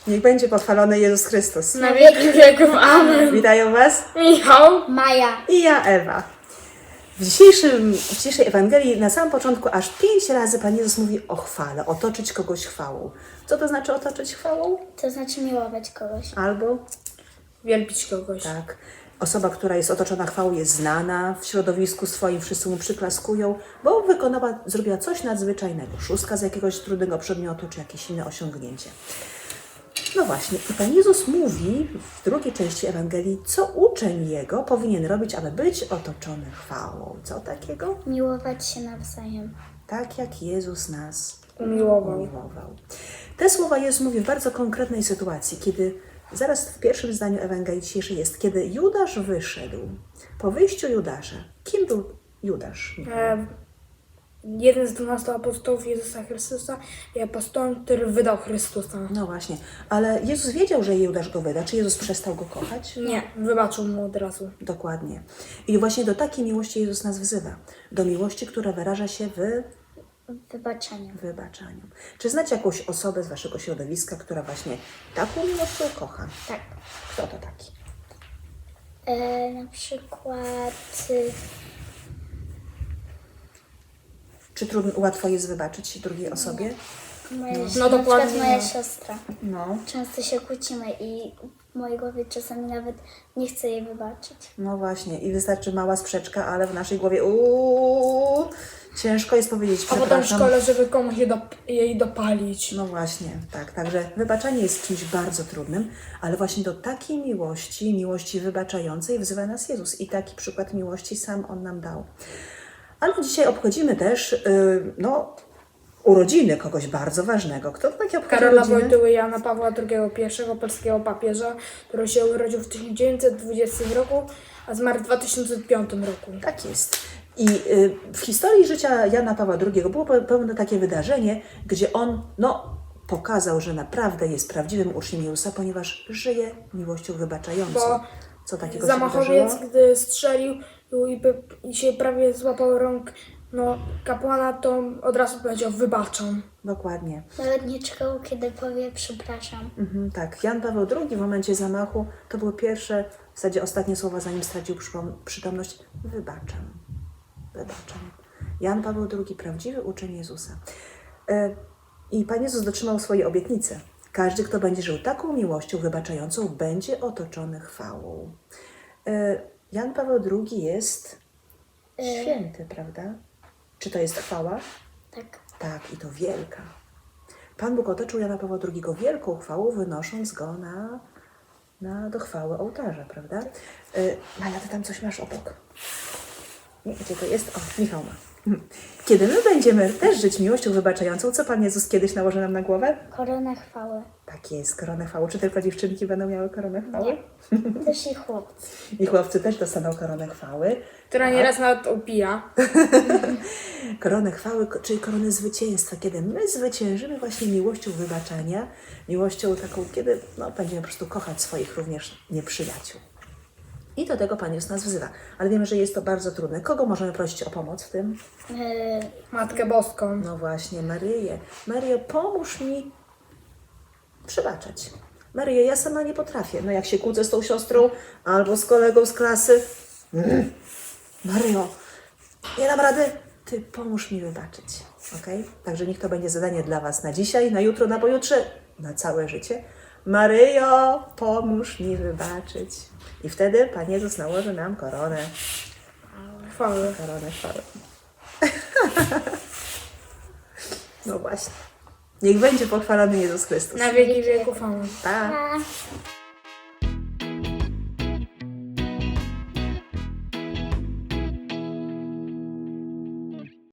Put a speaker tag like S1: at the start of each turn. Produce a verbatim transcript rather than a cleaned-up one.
S1: Niech będzie pochwalony Jezus Chrystus.
S2: Na wieki wieków. Amen.
S1: Witają Was
S2: Michał.
S3: Maja.
S1: i ja, Ewa. W, dzisiejszym, w dzisiejszej Ewangelii na samym początku aż pięć razy Pan Jezus mówi o chwale, otoczyć kogoś chwałą. Co to znaczy otoczyć chwałą?
S3: To znaczy miłować kogoś.
S1: Albo,
S2: Wielbić kogoś.
S1: tak, osoba, która jest otoczona chwałą, jest znana w środowisku swoim, wszyscy mu przyklaskują, bo wykonała, zrobiła coś nadzwyczajnego. Szóstka z jakiegoś trudnego przedmiotu, czy jakieś inne osiągnięcie. No właśnie, i Pan Jezus mówi w drugiej części Ewangelii, co uczeń Jego powinien robić, aby być otoczony chwałą. Co takiego?
S3: Miłować się nawzajem.
S1: Tak jak Jezus nas
S2: Umiłował.
S1: umiłował. Te słowa Jezus mówi w bardzo konkretnej sytuacji, kiedy zaraz w pierwszym zdaniu Ewangelii dzisiejszej jest, kiedy Judasz wyszedł. Po wyjściu Judasza, kim był Judasz?
S2: E, jeden z dwunastu apostołów Jezusa Chrystusa i apostołem, który wydał Chrystusa.
S1: No właśnie, ale Jezus wiedział, że Judasz go wyda. Czy Jezus przestał go kochać?
S2: Nie, wybaczył mu od razu.
S1: Dokładnie. I właśnie do takiej miłości Jezus nas wzywa. Do miłości, która wyraża się w
S3: Wybaczenie.
S1: wybaczaniu. Czy znacie jakąś osobę z Waszego środowiska, która właśnie taką miłością kocha?
S3: Tak.
S1: Kto to taki?
S3: E, na przykład... y,
S1: Czy trudno, łatwo jest wybaczyć drugiej osobie?
S3: Moja,
S2: No
S3: na przykład
S2: dokładnie
S3: moja
S2: nie.
S3: siostra.
S1: No.
S3: Często się kłócimy i w mojej głowie czasami nawet nie chcę jej wybaczyć.
S1: No właśnie. I wystarczy mała sprzeczka, ale w naszej głowie uuu, ciężko jest powiedzieć
S2: A potem w
S1: przepraszam.
S2: szkole, żeby komuś je dop- jej dopalić.
S1: No właśnie, tak. Także wybaczanie jest czymś bardzo trudnym, ale właśnie do takiej miłości, miłości wybaczającej wzywa nas Jezus. I taki przykład miłości sam On nam dał. Ale dzisiaj obchodzimy też, yy, no, urodziny kogoś bardzo ważnego. Kto to takie obchodzi
S2: Karola
S1: urodziny?
S2: Wojtyły Jana Pawła drugiego, pierwszego polskiego papieża, który się urodził w tysiąc dziewięćset dwudziestym roku, a zmarł w dwa tysiące piątym roku.
S1: Tak jest. I y, w historii życia Jana Pawła drugiego było pe- pewne takie wydarzenie, gdzie on no, pokazał, że naprawdę jest prawdziwym uczniem Jezusa, ponieważ żyje miłością wybaczającą.
S2: Bo
S1: Co takiego się
S2: Zamachowiec,
S1: wydarzyło?
S2: gdy strzelił i, by, i się prawie złapał rąk no, kapłana, to od razu powiedział wybaczam.
S1: Dokładnie.
S3: Nawet nie czekał, kiedy powie przepraszam.
S1: Mhm, tak. Jan Paweł drugi w momencie zamachu to były pierwsze, w zasadzie ostatnie słowa, zanim stracił przypom- przytomność. Wybaczam. Wybaczam. Jan Paweł drugi, prawdziwy uczeń Jezusa. E, I Pan Jezus dotrzymał swojej obietnicy. Każdy, kto będzie żył taką miłością wybaczającą, będzie otoczony chwałą. E, Jan Paweł drugi jest święty, prawda? Czy to jest chwała?
S3: Tak.
S1: Tak, i to wielka. Pan Bóg otoczył Jana Pawła drugiego wielką chwałą, wynosząc go na, na do chwały ołtarza, prawda? Yy, Maja, ty tam coś masz obok. Nie, gdzie to jest? O, Michał ma. Kiedy my będziemy też żyć miłością wybaczającą, co Pan Jezus kiedyś nałoży nam na głowę?
S3: Koronę chwały.
S1: Tak jest, koronę chwały. Czy tylko dziewczynki będą miały koronę chwały?
S3: Też i chłopcy.
S1: I chłopcy też dostaną koronę chwały.
S2: Która nieraz nawet opija.
S1: Koronę chwały, ko- czyli koronę zwycięstwa, kiedy my zwyciężymy właśnie miłością wybaczania, miłością taką, kiedy no, będziemy po prostu kochać swoich również nieprzyjaciół. I do tego Pan Jezus nas wzywa. Ale wiemy, że jest to bardzo trudne. Kogo możemy prosić o pomoc w tym?
S3: E,
S2: Matkę Boską.
S1: No właśnie, Maryję. Maryjo, pomóż mi przebaczać. Maryjo, ja sama nie potrafię. No jak się kłócę z tą siostrą albo z kolegą z klasy. Mm. Maryjo, nie dam rady. Ty pomóż mi wybaczyć. Okay? Także niech to będzie zadanie dla Was na dzisiaj, na jutro, na pojutrze, na całe życie. Maryjo, pomóż mi wybaczyć. I wtedy Pan Jezus nałoży nam koronę.
S2: Chwały.
S1: Koronę chwały. No właśnie. Niech będzie pochwalony Jezus Chrystus.
S2: Na wieki wieków. Amen.
S1: Pa.
S3: a...